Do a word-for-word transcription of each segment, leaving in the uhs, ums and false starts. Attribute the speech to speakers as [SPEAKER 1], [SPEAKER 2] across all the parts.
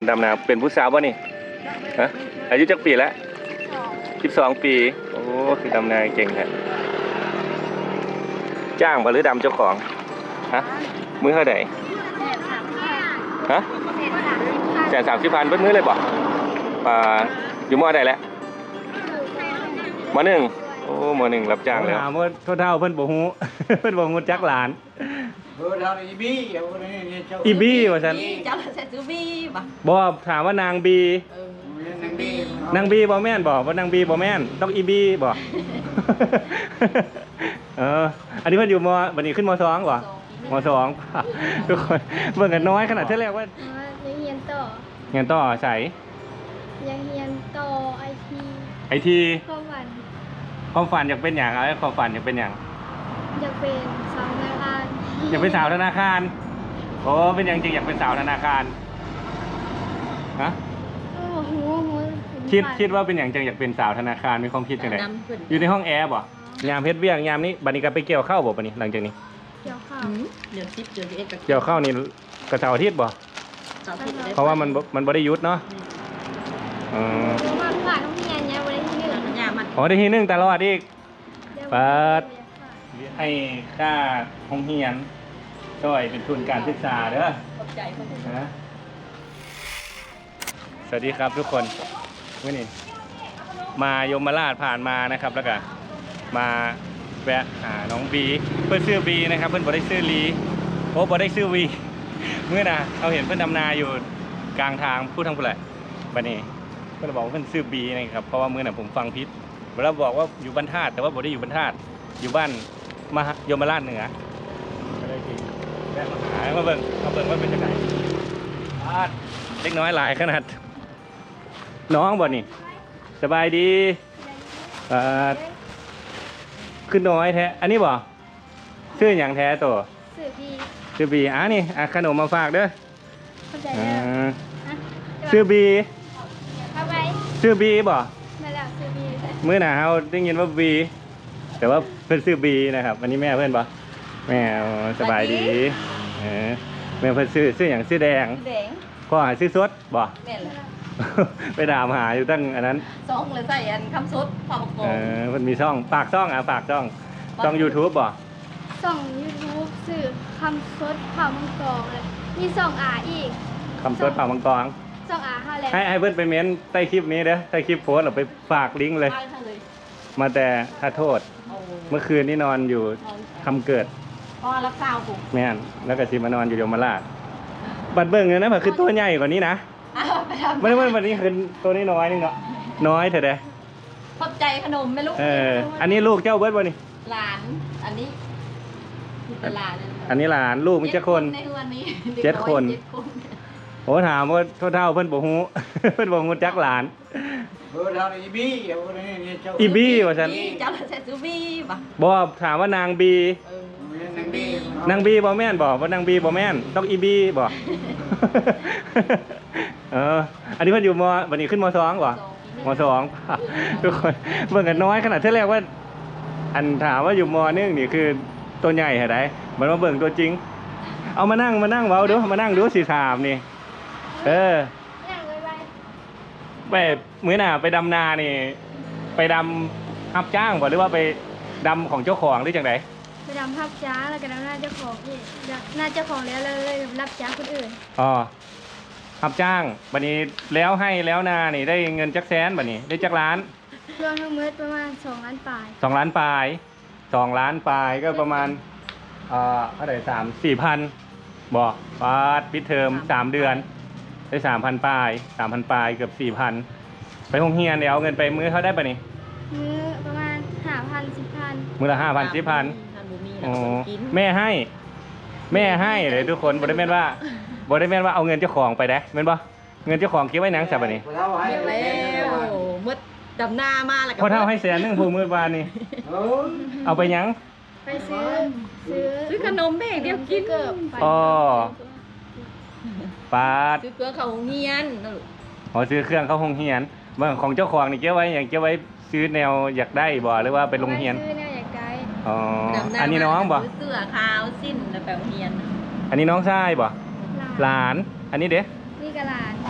[SPEAKER 1] ดำนาเป็นผู้สาวป่ะนี่ฮะอายุจักปีแล้วสิบสองปีโอ้คือดำนาเก่งแท้จ้างบ่หรือดำเจ้าของฮะมื้อเท่าไหร่ฮะแสนสามสิบพันเบิ้ลมื้อเลยบ่ป่าอยู่มอใดแล้วมอหนึ่งโอ้มอหนึ่งรับจ้างแล้วถามว่าเท่าเท่าเพิ่นบ่ฮู้เพิ่นบ่ฮู้จักหลาน
[SPEAKER 2] เออเราอีบี้
[SPEAKER 1] อีบี้ว่าฉัน
[SPEAKER 3] เจ้าใส่ซูบี้ป่ะ
[SPEAKER 1] บ่ถามว่านางบี
[SPEAKER 3] เออนางบี้
[SPEAKER 1] นางบีบ่แม่นบ่ว่านางบีบ่แม่นต้องอีบี้บ่เอออันนี้เพิ่นอยู่มบัดนี้ขึ้นมสองบ่มสองทุกคนเบิ่งกันน้อยขนาดเท่าแรกว่า
[SPEAKER 4] ยังเรียนต่อ
[SPEAKER 1] เรียนต่อใส่
[SPEAKER 4] ยังเรียนต่อไอที
[SPEAKER 1] ไอที
[SPEAKER 4] ความฝัน
[SPEAKER 1] ความฝันอยากเป็นอย่างอะไรความฝันอยากเป็นอย่าง
[SPEAKER 4] อยากเป็นสาวธนาคาร
[SPEAKER 1] อยากเป็นสาวธนาคารโอ้เป็นอย่างจริงอยากเป็นสาวธนาคารฮะ
[SPEAKER 4] โอ้โหโห
[SPEAKER 1] คิดคิดว่าเป็นอย่างจริงอยากเป็นสาวธนาคารมีความคิดยังไงอยู่ในห้องแอร์บ่ยามเพชรเบี้ยงยามนี้บัดนี้ก็ไปเกี่ยวข้าวบ่บัดนี้หลังจากนี้
[SPEAKER 4] เกี่ยวข้าว
[SPEAKER 3] เดือนสิบเดือนสิบเอ็ด
[SPEAKER 1] เกี่ยวข้าวนี่กระเสาร์อาทิตย์บ่เพราะว่ามันมันบ่ได้ยุดเนาะอ๋อ
[SPEAKER 4] มาผ่านต้องเรียนเนี่ยวันที่หนึ่ง
[SPEAKER 3] ยามัน
[SPEAKER 1] อ๋อได้ที่หนึ่งตลอดอีกเปิดให้ค่าห้องเรียนช่วยเป็นทุนการศึกษาเด้อ
[SPEAKER 3] ขอบใจคนอื่น
[SPEAKER 1] นะสวัสดีครับทุกคนวันนี้มายมราชผ่านมานะครับแล้วก็มาแวะหาน้องบีเพื่อนซื้อบีนะครับเพื่อนบ่ได้ซื้อลีโอ้บ่ได้ซื้อวีเมื่อน่ะเราเห็นเพื่อนดำนาอยู่กลางทางพูดทางผู้ใดบัดนี้เพื่อนบอกว่าเพื่อนซื้อบีนะครับเพราะว่าเมื่อน่ะผมฟังพิษเราบอกว่าอยู่บ้านธาตุแต่ว่าบ่ได้อยู่บ้านธาตุอยู่บ้านมายมราชเหนือก็เลยจริงแวะมาหามาเบิ่งมาเบิ่งว่าเป็นยังไงเล็กน้อยหลายขนาดน้องบ่นี่สบายดีขึ้นน้อยแท้อันนี้บ่ชื่ออย่างแท้ตัว
[SPEAKER 4] สื่อพี
[SPEAKER 1] ชื่อบีอ่ะนี่อ่ะขนมมาฝากเด้อ
[SPEAKER 4] เข้าใจ
[SPEAKER 1] อ่
[SPEAKER 4] แล้ว
[SPEAKER 1] าชื่อบี
[SPEAKER 4] เข้าไป
[SPEAKER 1] ชื่อบีบ่
[SPEAKER 4] มาแล้วสื่อพี
[SPEAKER 1] มื้อหน้าเฮาได้ยินว่าบีแต่ว่าเพิ่นชื่อบีนะครับอันนี้แม่เพิ่นบ่แม่สบายดีเออแม่เพิ่นชื่อชื่อหยังชื่อแดง
[SPEAKER 3] แดง
[SPEAKER 1] พ่อหาชื่อสดบ่
[SPEAKER 3] แม่เลย
[SPEAKER 1] ไปดามหาอยู่ตั้งอันนั้น
[SPEAKER 3] ซองเลยใส่อันคำซุดพอประก
[SPEAKER 1] เอ
[SPEAKER 3] อบ
[SPEAKER 1] อมันมีช่องฝากช่องอ่ะฝากช่องช่อง YouTube บ่
[SPEAKER 4] ส่องยูทูบสื่อคำซดข่าวมังกรเลยมีส่องอาอีก
[SPEAKER 1] คำสดฝากมังกร
[SPEAKER 4] ส่องอาห้าแล้ว
[SPEAKER 1] ให้ให้เพื่อนไปเม้นใต้คลิปนี้เด้อใต้คลิปโพสต์เราไปฝากลิงก์เลย
[SPEAKER 3] ไปทางเลย
[SPEAKER 1] มาแต่ถ้าโทษ
[SPEAKER 3] โอ้
[SPEAKER 1] เมื่อคืนนี้นอนอยู่คำเกิด
[SPEAKER 3] พอรักษาผม
[SPEAKER 1] แม่นแล้วก็สิมานอนอยู่ยมราชบัดเบิ่งเนี่ยนะมันคือตัวใหญ่กว่านี้นะ
[SPEAKER 3] ไปทำ
[SPEAKER 1] ไม่ได้ว่าวันนี้คือตัวนี้น้อยนึงเนาะน้อยเถอะเด้อ
[SPEAKER 3] ขอบใจขนมไม่รู้
[SPEAKER 1] เอออันนี้ลูกเจ้าเบิร์ดบ่นี่
[SPEAKER 3] หลาน อันนี้เป็นหลาน
[SPEAKER 1] อันนี้หลานลูกมันจะคน
[SPEAKER 3] ในวันนี้
[SPEAKER 1] เจ็ดคน โอ้ถามว่าเท่าเท่าเพิ่นบ่ฮู้ เพิ่นบ่ฮู้จักหลาน
[SPEAKER 2] เออเราอีบี้
[SPEAKER 1] อีบี้ว่าฉัน
[SPEAKER 3] เจ้าใส่ซูบี้ป่ะ
[SPEAKER 1] บ่ถามว่านางบี
[SPEAKER 3] เออนางบี้
[SPEAKER 1] นางบีบ่แม่นบ่ว่านางบีบ่แม่นต้องอีบีบ่ เอออันนี้เพิ่นอยู่มบัดนี้ขึ้นมสองบ่มสองทุกคนเบิ่งกันน้อยขนาดเท่าแรกว่า อันถามว่าอยู่มหนึ่งนี่คือตัวใหญ่เหรอได้มันมาเบิ่งตัวจริง เอามานั่งมานั่งเว้าดูมานั่งดูสิถามนี่เออ
[SPEAKER 4] อย่างเลยไป
[SPEAKER 1] ไปมื้อหน้าไปดำนานี่ ไปดำรับจ้างบ่หรือว่าไปดำของเจ้าของหรือจังได
[SPEAKER 4] ไปดำภาพจ้าแล้วก็ดำหน้าเจ้าของพี่หน้าเจ้าของแล้วเลยรับจ้าคนอื่น
[SPEAKER 1] อ๋อรับจ้างบัดนี้แล้วให้แล้วนานี่ได้เงินจักแสนบัดนี้ได้จักล้าน
[SPEAKER 4] รวมทั้งหมดประมาณสองล้านปลาย
[SPEAKER 1] สองล้านปลายสองล้านปลายก็ประมาณเอ่อเท่าไหร่สามสี่พันบอกปาดปิดเทอมสามเดือนได้สามพันปลายสามพันปลายเกือบสี่พันไปโรงเรียนเดี๋ยวเอาเงินไปมื้อเขาได้ปะนี่
[SPEAKER 4] มื้อประมาณห้าพันสิบพัน
[SPEAKER 1] มื้อละห้าพันสิบพัน
[SPEAKER 3] ทานบุมี
[SPEAKER 1] โอ้
[SPEAKER 3] แล้วกิน
[SPEAKER 1] แม่ให้ แม่ให้เลยทุกคนบริเวณว่าบริเวณว่าเอาเงินเจ้าของไปได้เห็นปะเงินเจ้าของเก็บไว้หนังสับปะนี่
[SPEAKER 3] เรียบแล้วมืดดำหน้ามาแล้ว
[SPEAKER 1] พอเท่าให้แสนหนึงผูมือวานนี่เอาไปหยัง
[SPEAKER 4] ไปซื้อซื้อ
[SPEAKER 3] ซื้อขนมแม่เดียวกิน
[SPEAKER 4] เกือบไป
[SPEAKER 1] อ๋อปาด
[SPEAKER 3] ซื้อเกลือเขาเงียนนะลูก
[SPEAKER 1] อ๋อซื้อเครื่องเข้าโรงเรียนเมื่อของเจ้าของนี่เก็บไว้อย่างเก็บไว้ซื้อแนวอยากได้บ่หรือว่าไปโรงเรียน
[SPEAKER 4] ซื้อเนี่ยอยากได้
[SPEAKER 1] อ๋อ
[SPEAKER 3] ดำหา
[SPEAKER 1] อันนี้น้องบ่
[SPEAKER 3] ซื้อเสื้อขาวสิ้นแล้วไปโรงเรียน
[SPEAKER 1] อันนี้น้องชายบ่หลาน อันนี้เด้
[SPEAKER 4] นี่กระหลาน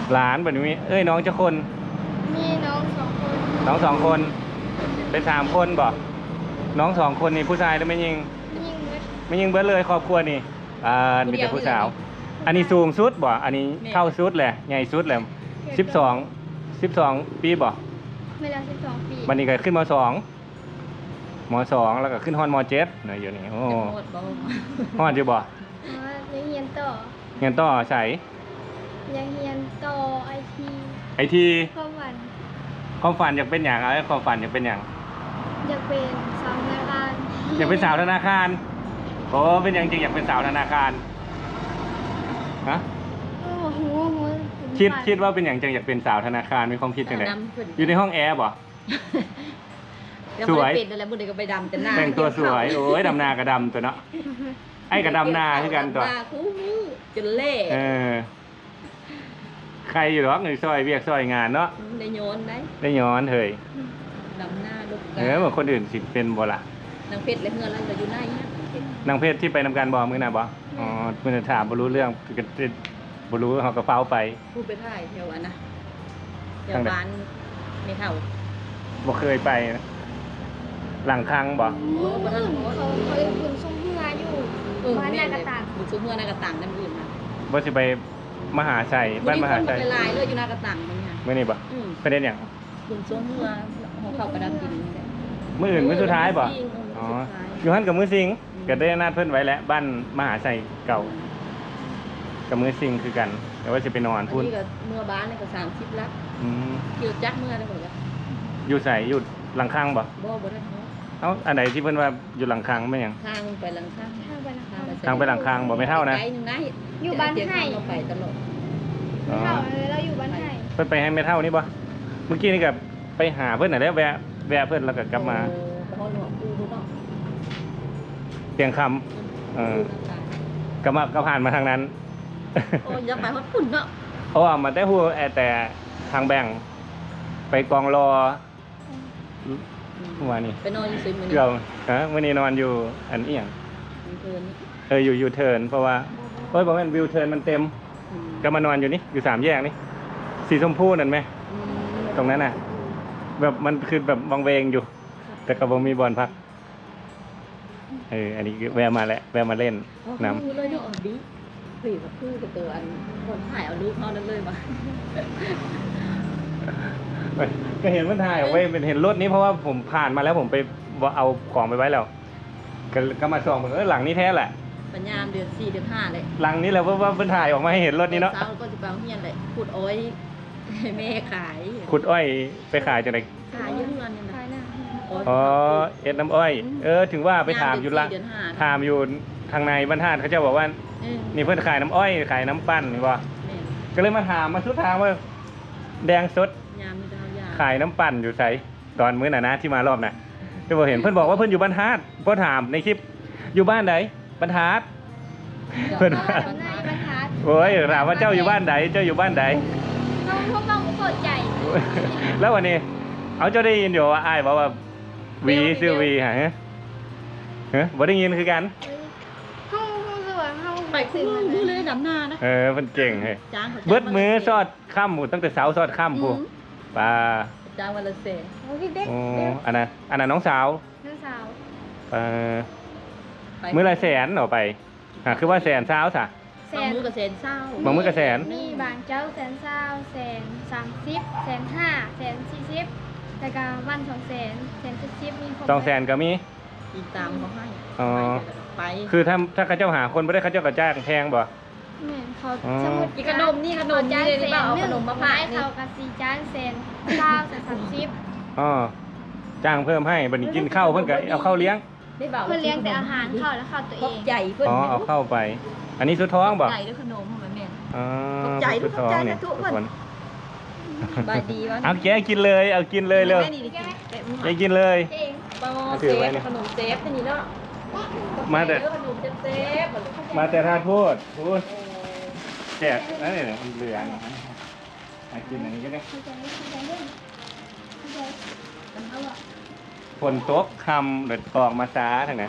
[SPEAKER 1] หลานแบบนี้เอ้ยน้องเจ้าคน
[SPEAKER 4] มีน้องสองคน
[SPEAKER 1] น้องสองคน เป็นสามคนบ่น้องสองคนนี่ผู้ชายแล้วไม่ยิง
[SPEAKER 4] ยิ่งเล็ก
[SPEAKER 1] ไม่ยิงเบิดเลยครอบครัวนี่อ่ามีแต่ผู้สาว อันนี้สูงสุดบ่อันนี้เข้าสุดแหละใหญ่สุดแหละสิบสองสิบสองปีบ่
[SPEAKER 4] เวลาสิบสองปี
[SPEAKER 1] บันนี้ก็ขึ้นมสองมสองแล้วก็ขึ้นฮอนมเจ็ดเนยอยู่นี่โอ้
[SPEAKER 3] หมดบ่
[SPEAKER 1] ฮอนอยู่บ่
[SPEAKER 4] อ๋อยังเรียนต่อ
[SPEAKER 1] เงินต่อใส่
[SPEAKER 4] ยังเรียนต่อไอที
[SPEAKER 1] ไอที
[SPEAKER 4] ข้อวัน
[SPEAKER 1] ความฝันอยากเป็นอย่างอะไรความฝันอยากเป็นอย่าง
[SPEAKER 4] อยากเป็นสาวนาการ
[SPEAKER 1] อยากเป็นสาวธนาคารโอ้เป็นอย่างจริงอยากเป็นสาวธนาคารฮะ
[SPEAKER 4] โอ้โหโห
[SPEAKER 1] คิดคิดว่าเป็นอย่างจริงอยากเป็นสาวธนาคารมีความคิดยังไงอยู่ในห้องแอร์บ่ สวย
[SPEAKER 3] เป็นอะไรบุญเด็กก็ไปดำแต่หน้า
[SPEAKER 1] แต่งตัวสวยโอ้ยดำนากระดำตัวเนาะไอ้กระดำนาคือกันตัว
[SPEAKER 3] ดำหาคู่มือจนเล่
[SPEAKER 1] เออใครอยู่หรอกหนึ่งซอยเวียกซอยงานเนาะ
[SPEAKER 3] ได้โยนได้
[SPEAKER 1] ได้ย้อนเถย
[SPEAKER 3] ดำหน้าลูก
[SPEAKER 1] เออเหมือนคนอื่นสิเป็นบ่ล่ะ
[SPEAKER 3] นางเพชรและเฮือนเราอยู่ไหนเนี่ย
[SPEAKER 1] นางเพชรที่ไปนำการบอกมือน่ะบ่อ๋อมือน่ะถามบ่รู้เรื่องก็บ่รู้เขาก็เฝ้าไป
[SPEAKER 3] พูดไปถ่ายแถวอันนะแถว
[SPEAKER 1] ทางไหน
[SPEAKER 3] บ้านไม่เท่า
[SPEAKER 1] บ่เคยไปนะหลังครั้งบ่
[SPEAKER 4] เขาเขาเขาเรียนคุณส่งเพื่ออยู่
[SPEAKER 3] เออ
[SPEAKER 4] บ้าน
[SPEAKER 3] แม่
[SPEAKER 4] นากระตัง
[SPEAKER 3] บุญซุ้มเฮือนากระตังนั่นอื่นนะ
[SPEAKER 1] บ่สิไปมหาชัยบ้านมหาชัย
[SPEAKER 3] คนไปลายเลยอยู่นากระตังมันเนี่ย
[SPEAKER 1] มื้อนี้บ่
[SPEAKER 3] อืม
[SPEAKER 1] ประเด็นหยัง
[SPEAKER 3] บุญซุ้มเฮือของเขาประดับดินนี่แหละ
[SPEAKER 1] มื้ออื่นมื้อสุดท้ายบ่
[SPEAKER 3] จริงๆ
[SPEAKER 1] อ๋อ
[SPEAKER 3] มื้อสุดท้าย
[SPEAKER 1] อยู่หั่นกับมื้อสิงก็ได้นัดเพิ่นไว้แล้วบ้านมหาชัยเก่ากับมื้อสิงคือกัน แต่ว่าสิไปนอน
[SPEAKER 3] อัน
[SPEAKER 1] พุ่น
[SPEAKER 3] นี้ก็เมื่อบ้านนี่ก็สามสิบลัก
[SPEAKER 1] อืม
[SPEAKER 3] เกี่ยวจักเมื่อได้หมดเลย
[SPEAKER 1] อยู่ไสอยู่หลังครั้งบ่
[SPEAKER 3] บ่บ่ได้เนาะ
[SPEAKER 1] เอ้าอันไหนที่เพิ่นว่าอยู่หลังครั้งแม่นหยัง
[SPEAKER 3] ทางไปหลังข้าง
[SPEAKER 4] ทางไปนะคะ
[SPEAKER 1] ทางไปหลังคางบ่ไม่เท่านะ
[SPEAKER 3] ไกลหนึงนะ
[SPEAKER 4] อยู่บ้านให้
[SPEAKER 3] เราไปตลอด
[SPEAKER 1] อ๋อ
[SPEAKER 4] เท่าเลยเราอยู่บ้านไห้
[SPEAKER 1] เพิ่นไปให้แม่เท่านี่บ่เมื่อกี้นี่ก็ไปหาเพิ่นน่ะแล้วแวะแวะเพิ่นแล้วก็กลับมา
[SPEAKER 3] โอ้ไปฮอดหลวงปู่ดูเนาะ
[SPEAKER 1] เตียงคำเออก็มาก็ผ่านมาทางนั้น
[SPEAKER 3] โอ้ยอย่าไปฮอดปุ่นเนาะ
[SPEAKER 1] เพราะว่ามันได้ฮู้แต่ทางแบ่งไปกองรอเมื่อวานนี้
[SPEAKER 3] ไปนอนอยู่ซุยมื้อนี้
[SPEAKER 1] เกือบฮะมื้อนี้นอนอยู่อันอีหยัง
[SPEAKER 3] มีเพิ่น
[SPEAKER 1] เอออยู่ยูเทิร์นเพราะว่าโอ้ยบ่แม่นวิวเทิร์นมันเต็ม
[SPEAKER 3] อืม
[SPEAKER 1] ก็มานอนอยู่นี่อยู่สามแยกนี่สีชมพูนั่นไหม
[SPEAKER 3] อืม
[SPEAKER 1] ตรงนั้นน่ะ แบบมันคือแบบวังเวงอยู่ แต่ก็บ่มีบอลพักเอออันนี้แวะมาแล้วแวะมาเล่น
[SPEAKER 3] อ๋อ
[SPEAKER 1] น้
[SPEAKER 3] คือเลยเนาะอ๋อดีเฮ้ยก็คือกับตัวอันคนถ่ายเอารูปเฮานั้นเลยมา
[SPEAKER 1] ำเอ้ยก็เห็นมันถ่ายออกไว้เป็นเห็นรถนี้เพราะว่าผมผ่านมาแล้วผมไปเอาของไปไว้แล้ว ก็ก็มาส่องผมเออหลังนี้แท้แหละ
[SPEAKER 3] ปัญญามเดือนสี่เดือนห้าเลย
[SPEAKER 1] หลังนี้แหละว่าว่ามันถ่ายออกมาให้เห็นรถนี้เนาะ
[SPEAKER 3] เช้าก็จะไปโรงเรียนเลยขุดอ้อยให้แม่ขาย
[SPEAKER 1] ขุดอ้อยไปขายจากไหน
[SPEAKER 3] ขายเยอะเงินนี่นะ
[SPEAKER 4] ภายหน้า
[SPEAKER 1] อ๋อเอ็ดน้ำอ้อย เออถึงว่าไปถามอยู่ละ
[SPEAKER 3] เดือนห้า
[SPEAKER 1] ถามอยู่ทางในบรรทัดเขาจะบอกว่า
[SPEAKER 3] เออ
[SPEAKER 1] นี่เพื่อนขายน้ำอ้อยขายน้ำปั้นนี่บ่
[SPEAKER 3] แม่
[SPEAKER 1] ก็เลยมาถามมาสุดทางว่าแดงสด
[SPEAKER 3] ยามมีดาวยา
[SPEAKER 1] ขายน้ำปั่นอยู่ไสตอนมื้อน่ะนะที่มารอบน่ะที่บ่เห็นเพิ่นบอกว่าเพิ่นอยู่บรรทัดพอถามในคลิปอยู่บ้านใดบรรทัด เพิ่น
[SPEAKER 4] บ้านในบรรทัด
[SPEAKER 1] โอ้ยถามว่าเจ้าอยู่บ้านใดเจ้าอยู่บ้านใด
[SPEAKER 4] น้องพวกน้องเปิดใจ
[SPEAKER 1] แล้ววันนี้ เอาเจ้าได้ยินอยู่ว่าอ้ายบอกว่าวีชื่อวีฮะฮะฮะบ่ได้ยินคือกัน
[SPEAKER 4] ห้องห้องสวยห้อง
[SPEAKER 3] ไปคู่มือมือเลยดำนานะ
[SPEAKER 1] เออเพิ่นเก่งเฮ้ย
[SPEAKER 3] จ้างขา
[SPEAKER 1] เบิดมือสอดค่ำหมดตั้งแต่เช้าสอดค่ำพูปลา
[SPEAKER 3] จ้างวันละเศษ
[SPEAKER 4] โอ้ยเด็ก
[SPEAKER 1] โอ้อันนั้นอันนั้นน้องสาว
[SPEAKER 4] น้องสาว
[SPEAKER 1] เออมื้อละแสนเหรอไปอ่ะคือว่าแสนเช้าซะ
[SPEAKER 4] แส
[SPEAKER 3] บาง
[SPEAKER 4] น
[SPEAKER 3] มือกับเศษเศร้า
[SPEAKER 1] บางมื้อก็แสน
[SPEAKER 4] มีบางเจ้าแสนเศร้าแสนสามสิบแสนห้าแสนสี่สิบแต่ก็วันสองแสนแสนเจ็ดสิบมีครบ
[SPEAKER 1] สองแสนก็มี
[SPEAKER 3] อีกตามเขาให้
[SPEAKER 1] อ๋อ
[SPEAKER 3] ไป
[SPEAKER 1] คือถ้าถ้าเขาเจ้าหาคนไม่ได้เขาเจ้าก็จ้างแพงบ่
[SPEAKER 4] แม่นเขา
[SPEAKER 1] อ๋อ
[SPEAKER 4] สมุด
[SPEAKER 3] อีกขนมนี่ขนมนี่เลยหรือเปล่าเอาขนมมา
[SPEAKER 4] ไม้
[SPEAKER 3] ฝากนี่
[SPEAKER 4] เขากะสี่จานแสนเก้าแสนสามสิบ
[SPEAKER 1] อ๋อจ้างเพิ่มให้บัดนี้กินข้าวเพิ่นก็เอาข้าวเลี้ยง
[SPEAKER 3] ได้บ่าว
[SPEAKER 4] เพื่อเลี้ยงแต่อาหารเขาแล้วเขาตัว
[SPEAKER 3] ข
[SPEAKER 4] เอ
[SPEAKER 3] อบ
[SPEAKER 4] ง
[SPEAKER 3] ใจเพื่อน
[SPEAKER 1] อ๋อเอาเข้าไป อันนี้สุดท้องบ่
[SPEAKER 3] ใจด้วยขนมของแม่
[SPEAKER 1] อ๋อ
[SPEAKER 3] ขอบใจ
[SPEAKER 1] สุดท้องเนี่ย
[SPEAKER 3] ขอบใจนะทุกคน
[SPEAKER 1] ทุกคน
[SPEAKER 3] บายดีวะ
[SPEAKER 1] เอาแกกินเลยเอากินเลยเร็ว
[SPEAKER 3] แม่นี่ดิแกะมือ
[SPEAKER 1] แกกินเลย
[SPEAKER 4] เอง
[SPEAKER 3] ปอ
[SPEAKER 1] เอา
[SPEAKER 3] เซ
[SPEAKER 1] ถือไว้
[SPEAKER 3] ฟ
[SPEAKER 1] นี่
[SPEAKER 3] ขนมเซฟที่นี่เนาะ
[SPEAKER 1] มาแต่
[SPEAKER 3] ขนมเซฟเซฟ
[SPEAKER 1] มาแต่ทานโทษพูดแจกนั่นนี่มันเหลืองอ่ะกินอันนี้ก็ได้
[SPEAKER 4] เข้าใจเข้าใจเรื่องเข้าใจกันเอาอะ
[SPEAKER 1] ฝนตกคำเดือดออกมาซ้าทางไหน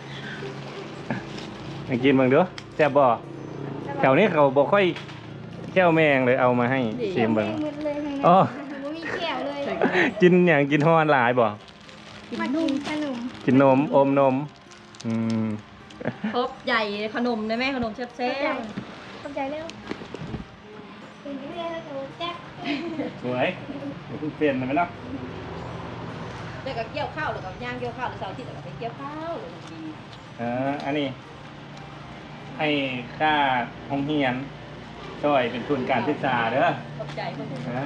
[SPEAKER 1] มากินเบิ่งเด้อแซ่บบ่แถวนี้เขาบ่ค่อยแก้วแมงเลยเอามาให้ชิมเบิ่ง
[SPEAKER 4] หมดเลยทั้งนั้น
[SPEAKER 1] อ๋อ
[SPEAKER 4] บ่มีแก้วเลย
[SPEAKER 1] กินอย่างกินฮอนหลายบ่
[SPEAKER 4] มากินขนม
[SPEAKER 1] กินนมอมนมอืม
[SPEAKER 3] ครบใหญ่ขนมนะแม่ขนมแซ่บ
[SPEAKER 4] เข้าใจเร็วเป็นเรื่องแล้วก็แจ๊ก
[SPEAKER 1] สวยเดี๋ยวเพิ่งเปลี่ยนไปเนาะ
[SPEAKER 3] ๆแล้วก็เกี่ยวข้าวแล้วก็ย่างเกี่ยวข้าวแล้วเสาร์อาทิตย์แล้วก็ไปเกี่ยวข้าวเลยดี
[SPEAKER 1] เอออันนี้ ให้ค่าห้องเรียนช่วยเป็นทุนการศึกษาเด้อ
[SPEAKER 3] ขอบใจเพื่อน
[SPEAKER 1] นะ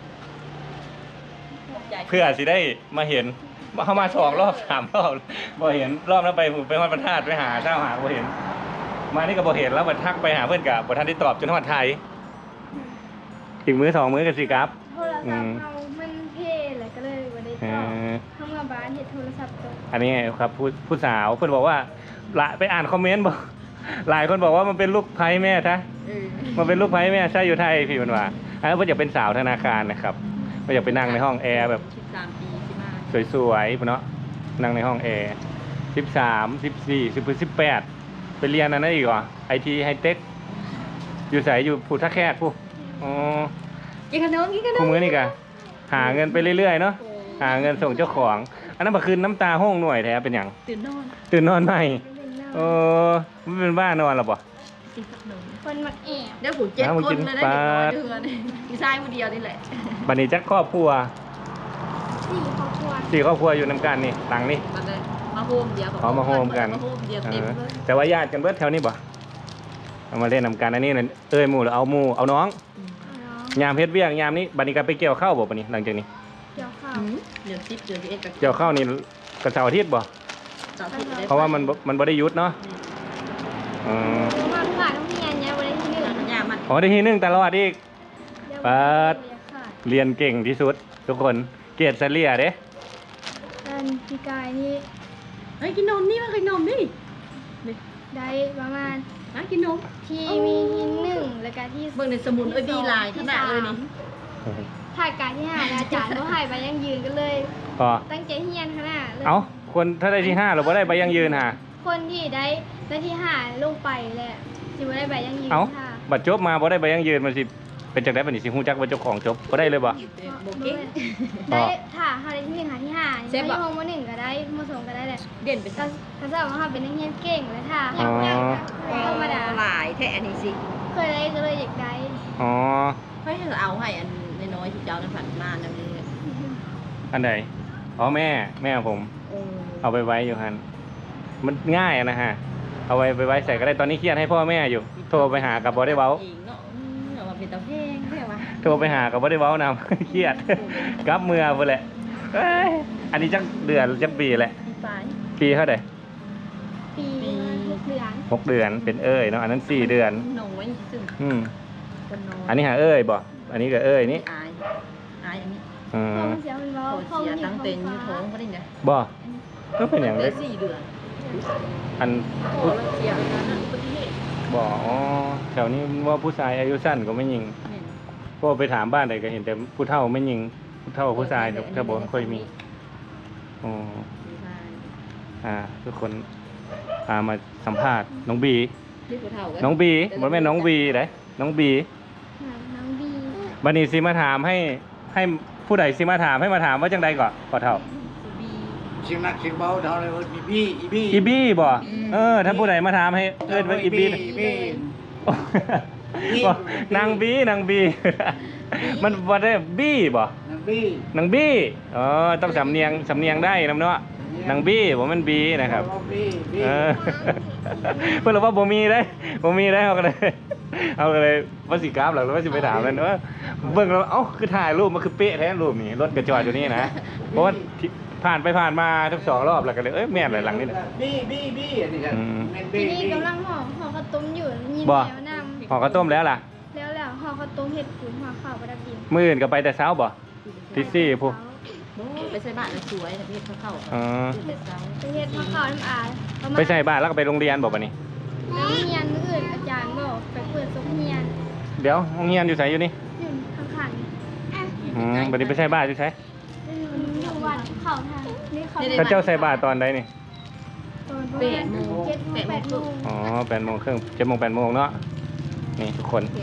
[SPEAKER 3] ขอบใจ
[SPEAKER 1] เพื่อสิได้มาเห็นเข้ามาสองรอบสามรอบบ่เห็นรอบนั้นไปผมไปฮอดพระธาตุไปหาเจ้าหาบ่เห็น มานี่ก็บ่เห็นแล้วบัดทักไปหาเพื่อนกับบ่ทันได้ตอบจนฮอดไทยอีกมื้อสองมื้อกันสิครับ
[SPEAKER 4] โทรศัพท์เอามันเพลเลยก็เลยบ่ได้
[SPEAKER 1] เอ
[SPEAKER 4] ตอบ
[SPEAKER 1] อ
[SPEAKER 4] เข้ามาบ้านเฮ็ดโทรศัพท์ตก
[SPEAKER 1] อันนี้ครับผู้ผู้สาวเพื่อนบอกว่าละไปอ่านคอมเมนต์บอก หลายคนบอกว่ามันเป็นลูกไพ่แม่ทะ
[SPEAKER 3] เออ
[SPEAKER 1] มันเป็นลูกไพ่แม่ใช่อยู่ไทยพี่มันว่าอันนั้นเพื่อนอยากเป็นสาวธนาคารนะครับเพื่อนอยากไปนั่งในห้องแอร์แบบ
[SPEAKER 3] สิบสามปีสิมา
[SPEAKER 1] สวยๆเนาะนั่งในห้องแอร์สิบสามสิบสี่สิบสิบแปดไปเรียนอันนั้นอีกเหรอไอทีไฮเทคอยู่ใส่อยู่ผูท่าแคดผู้อ๋อ
[SPEAKER 3] กินขนมกินขน
[SPEAKER 1] คู่
[SPEAKER 3] ม
[SPEAKER 1] มือนี่กะหาเงินไปเรื่อยๆเนาะหาเงินส่งเจ้าของ อันนั้นบักคืนน้ำตาห้องหน่วยแท้เป็นอย่าง
[SPEAKER 3] ตื่นนอน
[SPEAKER 1] ตื่นนอนใหม่
[SPEAKER 4] เป็นเนา
[SPEAKER 1] เออไม่เป็นบ้านอนหรอปะ
[SPEAKER 3] กินขนม
[SPEAKER 4] คนมักแอบ
[SPEAKER 3] เดี๋ยวผมเจ็ด
[SPEAKER 1] น้ำมัน
[SPEAKER 3] ค
[SPEAKER 1] กิ
[SPEAKER 3] น
[SPEAKER 1] น
[SPEAKER 3] เลยได้
[SPEAKER 1] ปลา
[SPEAKER 3] เด็กน้อยเดือนมีชายคนเดียวนี่แหละ
[SPEAKER 1] บัดนี้จักครอบครัว
[SPEAKER 4] สี่ครอบครัว
[SPEAKER 1] สี่ครอบครัวอยู่นำกันนี่หลังนี่
[SPEAKER 3] มันเลยมาโฮมเดียว
[SPEAKER 1] อ๋อมาโฮมกัน
[SPEAKER 3] มาโฮมเดียว
[SPEAKER 1] เอ
[SPEAKER 3] เต็ม
[SPEAKER 1] อ
[SPEAKER 3] เลย
[SPEAKER 1] แต่ว่าญาติกันเบิดแถวนี้บ่เอามาเล่นนำกันอันนี้น่ะเอ้ยหมู่หรือเอาหมู่เอาน้อง
[SPEAKER 4] เอาเนาะ
[SPEAKER 1] ยามเพชรเวียงยามนี้บัดนี้ก็ไปเกี่ยวข้าวบ่บัดนี้หลังจากนี้
[SPEAKER 4] เกี่ยวข้าว
[SPEAKER 3] อืมเดือนสิบเดือนสิบเอ็ดกับ
[SPEAKER 1] เกี่ยวข้าวนี่กระเสาร์อาทิตย์บ่
[SPEAKER 3] สามสิบได้
[SPEAKER 1] เพราะว่ามันบ่มันบ่ได้หยุดเนาะอ๋อ
[SPEAKER 4] เพราะว่าขาดต้องเรียนเนี่ยบ่ได้ที่หนึ่ง
[SPEAKER 3] หลังยามัน
[SPEAKER 1] อ๋อได้ที่หนึ่งตลอดอีก
[SPEAKER 4] เดี๋ยว
[SPEAKER 1] เปิด
[SPEAKER 4] เรียนขาด
[SPEAKER 1] เรียนเก่งที่สุด ทุกคนเกรดเฉลี่ยเด้
[SPEAKER 4] อันพี่กายนี่
[SPEAKER 3] เฮ้ยกินนมนี่มากินนมนี่
[SPEAKER 4] ได้ประมาณ
[SPEAKER 3] มากินนม
[SPEAKER 4] ที่มีที่หนึ่งแล้วก็ที่
[SPEAKER 3] เบิ่งในสมุนเอ้ยดีลายขนาดเลยนี่
[SPEAKER 4] ถ่ายการที่หาแล้วอาจารย์ก็ให้ไปยังยืนกันเลย
[SPEAKER 1] พอ
[SPEAKER 4] ตั้งใจเฮียนขนาดเลย
[SPEAKER 1] เอ้าคนถ้าได้ที่ห้าเราบ่ได้ใบยังยืนหา
[SPEAKER 4] คนที่ได้ได้ที่หาลงไปแหละสิบ่ได้ไปยังยืน
[SPEAKER 1] เอ้า
[SPEAKER 4] ค่ะ
[SPEAKER 1] บัดจบมาบ่ได้ใบยังยืนมันสิเป็นจังได๋บัดนี้สิฮู้จักว่าเจ้าของจบบ่ได้เลยบ่
[SPEAKER 3] โบเก้ง
[SPEAKER 4] ได้ถ้าหาได้ที่หนึ่งหาที่ห้า
[SPEAKER 3] เซฟ
[SPEAKER 4] ได้
[SPEAKER 3] อะ
[SPEAKER 4] ห้องมหนึ่งก็ได้มสองก็ได้แหละ
[SPEAKER 3] เด่นเป็น
[SPEAKER 4] ก็ก็จะว่าเขาเป็นนักเรียนเก่งเลยค่ะ
[SPEAKER 1] อ๋อ
[SPEAKER 4] ธรรมดา
[SPEAKER 3] หลายแท้อันนี้สิ
[SPEAKER 4] เคยได้ก็เลยอยากได้
[SPEAKER 1] อ๋อ
[SPEAKER 3] เฮ้ยเอาให้อันน้อยๆที่เจ้านั้นผ่านมานั่นนี่
[SPEAKER 1] อันใดอ๋อแม่แม่ผม
[SPEAKER 3] โอ้
[SPEAKER 1] เอาไปไว้อยู่หันมันง่ายอะนะฮะเอาไว้ไปไว้ใส่ก็ได้ตอนนี้เครียดให้พ่อแม่อยู่ โทรไปหากับบ่ได้เว้า
[SPEAKER 3] อีกเนาะอืมเอามาเป็นตะเพงใช่ไหม
[SPEAKER 1] โทรไปหากับบ่ได้เว้านำ เครียด กลับเมื่อพุ่นแหละเอ้ยอันนี้จักเดือนจักปีแหละ
[SPEAKER 3] ปีปลาย
[SPEAKER 1] ปีเท่าใด
[SPEAKER 4] ปีหกเดือน
[SPEAKER 1] หกเดือนเป็นเอ้ยเนาะอันนั้นสี่เดือน
[SPEAKER 3] น้อยซึ่ง
[SPEAKER 1] อืม
[SPEAKER 3] คนน้อย
[SPEAKER 1] อันนี้หาเอ้ยบ่อันนี้ก็เอ้ยนี่
[SPEAKER 3] อายอายอย่างนี้
[SPEAKER 1] อื
[SPEAKER 4] พ่อ
[SPEAKER 1] ม
[SPEAKER 4] มันเสียมันบอ
[SPEAKER 3] โค
[SPEAKER 4] พ่อ
[SPEAKER 3] เสี
[SPEAKER 4] มั
[SPEAKER 3] ย
[SPEAKER 4] นอยู่
[SPEAKER 3] ตั้ง
[SPEAKER 4] ท้อง
[SPEAKER 3] เต็นอยู่
[SPEAKER 4] ฟ้า
[SPEAKER 3] ท้องก็ได้เนี่ย
[SPEAKER 1] บ่ก็เป็นอย่าง
[SPEAKER 3] เล
[SPEAKER 1] เล็
[SPEAKER 3] ย
[SPEAKER 1] ก
[SPEAKER 3] สี่เดือน
[SPEAKER 1] อัน
[SPEAKER 3] โอ้แล้วเสียแล้วนะอุบัติเหตุ
[SPEAKER 1] บ่อ๋อแถวนี้ว่าผู้ชายอายุสั้นก็ไม่ยิง
[SPEAKER 3] เนี่ย
[SPEAKER 1] เพราะว่าไปถามบ้านใดก็เห็นแต่ผู้เฒ่าไม่ยิงผู้เฒ่าผู้ชายถ้าบอกค่อยมีอ๋อ
[SPEAKER 3] ผู้ชาย
[SPEAKER 1] อ่าทุกคนพามาสัมภาษณ์น้องบี
[SPEAKER 3] ที่ผู้เฒ่าก็
[SPEAKER 1] น้องบีบ่แม่นน้องบีเด้น้องบี
[SPEAKER 4] น้องบี
[SPEAKER 1] บัดนี้สิมาถามให้ให้ผู้ใดสิมาถามให้มาถามว่าจังใดก่อนก่อเฒ่า
[SPEAKER 3] สุบี
[SPEAKER 2] เชียงนักเชียงเบาเท่าไรวะอีบี้อีบี้
[SPEAKER 1] อีบี้บ่เออถ้าผู้ใดมาถามให้เอิ้นว่าอีบี้
[SPEAKER 2] อีบี้
[SPEAKER 1] บ่นางบีนางบี มันบ่ได้บี้บ่
[SPEAKER 2] นักบี้
[SPEAKER 1] นางบี้อ๋อต้องสำเนียงสำเนียงได้นำเนาะนางบี้บ่แมันบีนะครับ
[SPEAKER 2] บี้บี้
[SPEAKER 1] เออ เพิ่นบอกว่าบ่มีได้บ่มีได้เอาก็เลย เอาก็เลยว่าสิกราฟหรอกแล้วว่าสิไปถามมันว่าเบิ่งแล้วเอ้าคือถ่ายรูปมันคือเป๊ะแท้รูปนี่รถกระจอดอยู่นี่นะเพราะว่าที่ผ่านไปผ่านมาทั้งสองรอบแล้วก็เลยเอ้ยแม่นเลยหลังนี่น่ะ
[SPEAKER 2] บี้บี้บี้อันนี้ครับ
[SPEAKER 1] อืม
[SPEAKER 2] แม่น
[SPEAKER 4] ที
[SPEAKER 2] บี้
[SPEAKER 4] นี้
[SPEAKER 2] บี้
[SPEAKER 4] กำลังห่อห่อข้าวต้มอยู่ยิน
[SPEAKER 1] บ่
[SPEAKER 4] แล้วนำ
[SPEAKER 1] ห่อข้าวต้มแล้วล่ะ
[SPEAKER 4] แล้วแล้วห่อข้าวต้มเห็ดปุ๋ยห่อข้าวประดับดิน
[SPEAKER 1] มื้ออื่นก็ไปแต่เช้าบ่ตีสี่ผู้
[SPEAKER 3] โอ้ไปใส่บ้านแล้วสวยนะพี่เขาเข้า
[SPEAKER 1] อ๋อ
[SPEAKER 3] ไปเช้า
[SPEAKER 4] ไปเห็ดห่อข้าวน้ำอาประมาณ
[SPEAKER 1] ไปใส่บ้านแล้วก็ไปโรงเรียนบ่บัดนี้
[SPEAKER 4] แล้วเฮียนมื้ออื่นอาจารย์บอกไปเปิดซุกเฮียน
[SPEAKER 1] เดี๋ยวโรงเรียนอยู่ไสอยู่นี่
[SPEAKER 4] อยู่ข้างๆอ่ะ
[SPEAKER 1] อืมบัดนี้ไปใส่บ้านอยู่ไส
[SPEAKER 4] อยู่วัดเขาทางนี่เขา
[SPEAKER 1] ถ้าเจ้าใส่บาตรตอนใดนี่
[SPEAKER 4] ตอนประมาณเจ็ดโมงแปดโมง
[SPEAKER 1] อ๋อแปดโมงครึ่งเจ็ดโมงแปดโมงเนาะนี่ทุกคน
[SPEAKER 3] เกี่ยวคนใหม่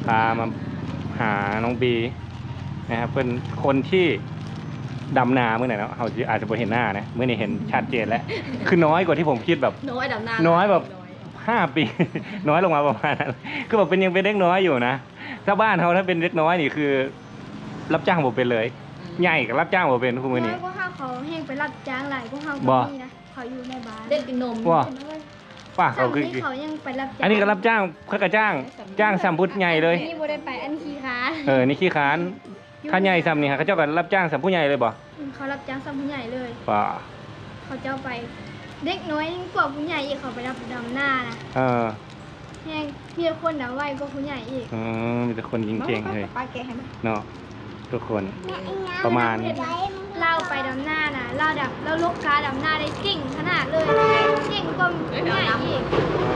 [SPEAKER 1] พามาหาน้องบีนะครับเป็นคนที่ดำนาเมื่อไหร่เนาะเขาอาจจะไม่เห็นหน้านะเมื่อนี้เห็นชัดเจนแล้ว คือน้อยกว่าที่ผมคิดแบบ
[SPEAKER 3] น้อยดำนา
[SPEAKER 1] น้อยแบบ ห้าปี น้อยลงมาประมาณนั้นคือแบบเป็นยังเป็นเด็กน้อยอยู่นะถ้าบ้านเขาถ้าเป็นเด็กน้อยนี่คือ รับจ้างผมเป็นเลย ใหญ่กับรับจ้างผมเป็นคุณมือ
[SPEAKER 4] น้อ
[SPEAKER 1] นี้
[SPEAKER 4] ยพวกเขาเขาแห้งไปรับจ้างหลายพวกเขา
[SPEAKER 1] บ่
[SPEAKER 4] ก็มีนะเขาอยู่ในบ้าน
[SPEAKER 3] เล่นกินนม
[SPEAKER 1] ว่า ป้า
[SPEAKER 4] เขา
[SPEAKER 1] เขาคือ
[SPEAKER 4] ที่เขายังไปรับจ้าง
[SPEAKER 1] อันนี้ก็รับจ้างเขาก็จ้าง จ้างสัมพุทธใหญ่เลย
[SPEAKER 4] อันนี่บ่ได้ไปอันคีค้า
[SPEAKER 1] เออนี่ขี้ค้านข้าใหญ่ซ้ำนี่ฮะเขาเจ้าก็รับจ้างสัมผู้ใหญ่เลยบ่
[SPEAKER 4] เขารับจ้างซ้ำผู้ใหญ่เลย
[SPEAKER 1] ป่า
[SPEAKER 4] เขาเจ้าไป เด็กน้อยยิ่งกว่าผู้ใหญ่อีกเขาไปรับดำหน้านะ
[SPEAKER 1] เออ
[SPEAKER 4] แห้งมีแต่คนดำไวกว่าผู้ใหญ่อีก
[SPEAKER 1] อืมมีแต่คนเก่งๆเลย
[SPEAKER 3] ป้าแกให้มัน
[SPEAKER 1] เนาะทุกคนประมาณ
[SPEAKER 4] เล่าไปดำหน้านะเล่าดับแล้วลูกค้าดำหน้าได้เก่งขนาดเลยเก่งกว่าผู้ใหญ่อีก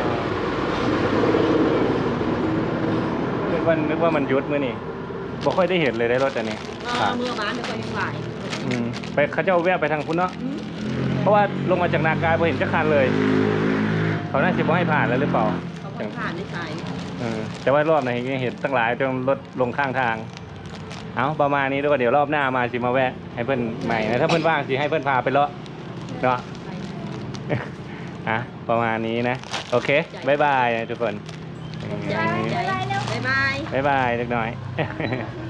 [SPEAKER 1] นึกว่านึกว่ามันยุดมื้อนี่บ่ค่อยได้เห็นเลยได้รถอันนี้
[SPEAKER 3] เออเมื่อวานไม่ค่อยยังไหว
[SPEAKER 1] อืมไปเขาเจ้าแวะไปทางพุ่นเนาะเพราะว่าลงมาจากนากายบ่เห็นจักคันเลย เขาน่าจะบ่ให้ผ่านแล้วหรือเปล่า
[SPEAKER 3] เขาบอกผ่านได้ใส่
[SPEAKER 1] เออแต่ว่ารอบไหนเห็นตั้งหลายจนรถลงข้างทาง เอาประมาณนี้ด้วยก็เดี๋ยวรอบหน้ามาสิมาแวะให้เพื่อนใหม่นะถ้าเพื่อนว่างสิให้เพื่อนพาไปเลาะเนาะ อ่ะประมาณนี้นะ โอเคบายบายนะทุกคน
[SPEAKER 3] ใจใจบ๊ายบาย
[SPEAKER 1] บายบายเล็กน้อย